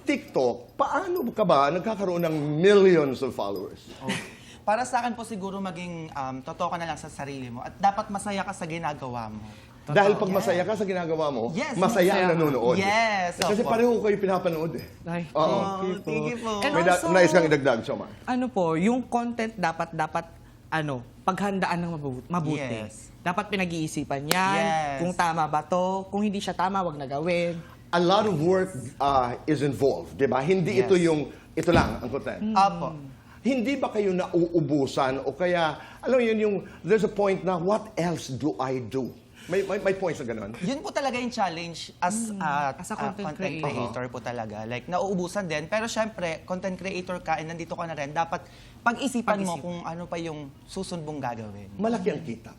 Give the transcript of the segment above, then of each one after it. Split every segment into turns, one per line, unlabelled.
TikTok, paano ka ba nagkakaroon ng millions of followers?
Para sa akin po siguro maging totoo ka na lang sa sarili mo at dapat masaya ka sa ginagawa mo.
Dahil pag masaya ka sa ginagawa mo,
Yes,
masaya ang
masaya.
nanonood.
Yes,
Kasi
opo.
pareho kayo pinapanood eh.
Ay,
Oo.
Thank you po.
And
May
also,
nais kang idagdag, Jomar.
ano po, yung content dapat paghandaan ng mabuti.
Yes.
Dapat pinag-iisipan yan.
Yes.
Kung tama ba to, kung hindi siya tama, wag na gawin.
A lot of work is involved, di ba? Hindi ito yung, ito lang ang content.
Apo.
Hindi ba kayo nauubusan o kaya, alam mo yun, yung, there's a point na, what else do I do? May points na gano'n?
Yun po talaga yung challenge as
As a content
creator po talaga. Like, nauubusan din. Pero syempre, content creator ka and nandito ka na rin, dapat pag-isipan mo kung ano pa yung susunod mong gagawin.
Malaki ang kita.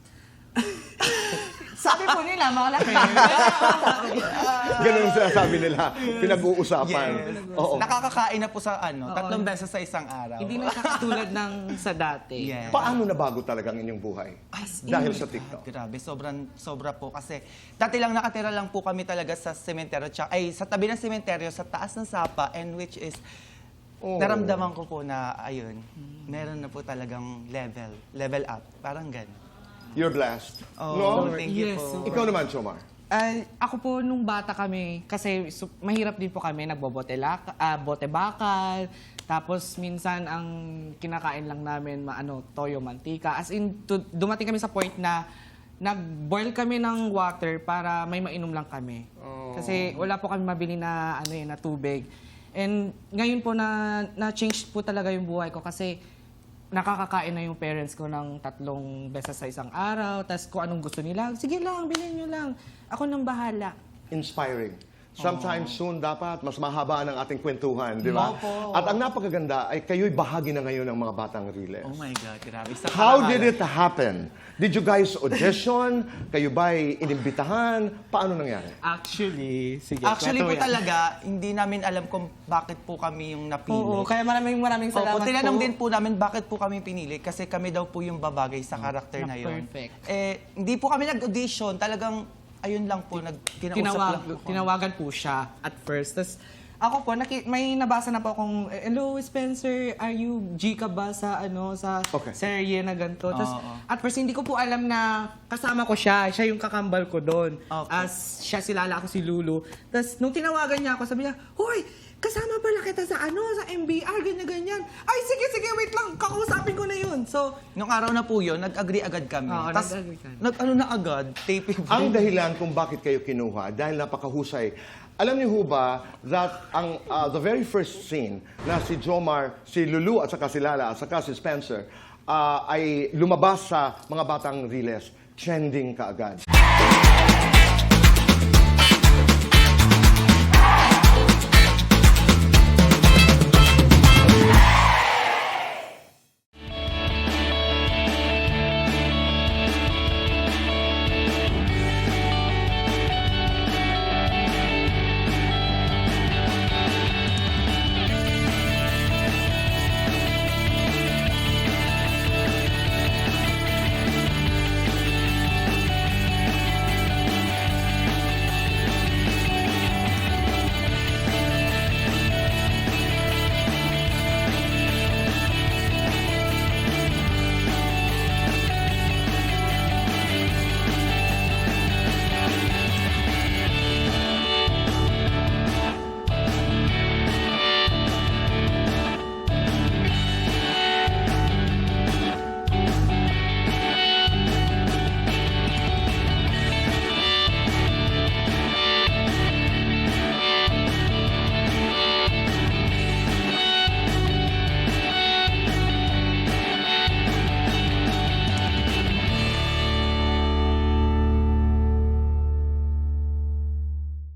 Sabi po nila, malaki.
Ganun ang sinasabi nila, pinag-uusapan. Oo.
Nakakakain na po sa 3 beses sa isang araw.
Hindi na siya katulad ng sa dati.
Yes.
Paano nabago talaga ang inyong buhay? Dahil sa TikTok.
Grabe, sobra po. Kasi dati lang nakatira lang po kami talaga sa sementeryo, sa tabi ng sementeryo, sa taas ng Sapa, and which is, naramdaman ko po na, ayun, meron na po talagang level up. Parang gano'n.
You're blessed.
Oh,
No?
thank you
Yes,
po.
Ikaw naman, Jomar.
Ako po, nung bata kami, kasi mahirap din po kami, bote bakal, tapos minsan ang kinakain lang namin, toyo, mantika. As in, dumating kami sa point na nag-boil kami ng water para may mainom lang kami. Kasi wala po kami mabili na, na tubig. And ngayon po na-change po talaga yung buhay ko kasi nakakakain na yung parents ko ng 3 beses sa isang araw. Tapos kung anong gusto nila, sige lang, bilhin nyo lang. Ako nang bahala.
Inspiring. Sometimes soon dapat mas mahaba ang ating kwentuhan, di ba?
Opo.
At ang napakaganda ay kayo'y bahagi na ngayon ng mga batang Riles.
Oh my God, grabe.
How did it happen? Did you guys audition? Kayo ba'y inimbitahan? Paano nangyari?
Actually, sige.
Actually po talaga, hindi namin alam kung bakit po kami yung napili.
Oo, kaya maraming salamat
Opo, tinanong
po.
din po namin bakit po kami pinili kasi kami daw po yung babagay sa karakter na yun.
Perfect.
Hindi po kami nag-audition, talagang ayun lang po, kinausap lang po.
Tinawagan po siya at first. Tapos ako po, may nabasa na po akong, hello Spencer, are you G ka ba sa, sa
Okay.
serye na ganito? Tapos at first hindi ko po alam na kasama ko siya yung kakambal ko doon.
Okay.
As siya si Lala, ako si Lulu. Tapos nung tinawagan niya ako, sabi niya, hoy, kasama pala kita sa sa MBR, ganyan-ganyan. Ay, sige, wait lang, kakausapin ko na yun. So,
Nung araw na po yun, nag-agree agad kami.
Oo,
Tas,
nag-agree kami.
nag-ano na agad, taping.
Ang dahilan kung bakit kayo kinuha, dahil napakahusay. Alam niyo ho ba that the very first scene na si Jomar, si Lulu at saka si Lala at saka si Spencer ay lumabas sa mga batang Riles, trending kaagad.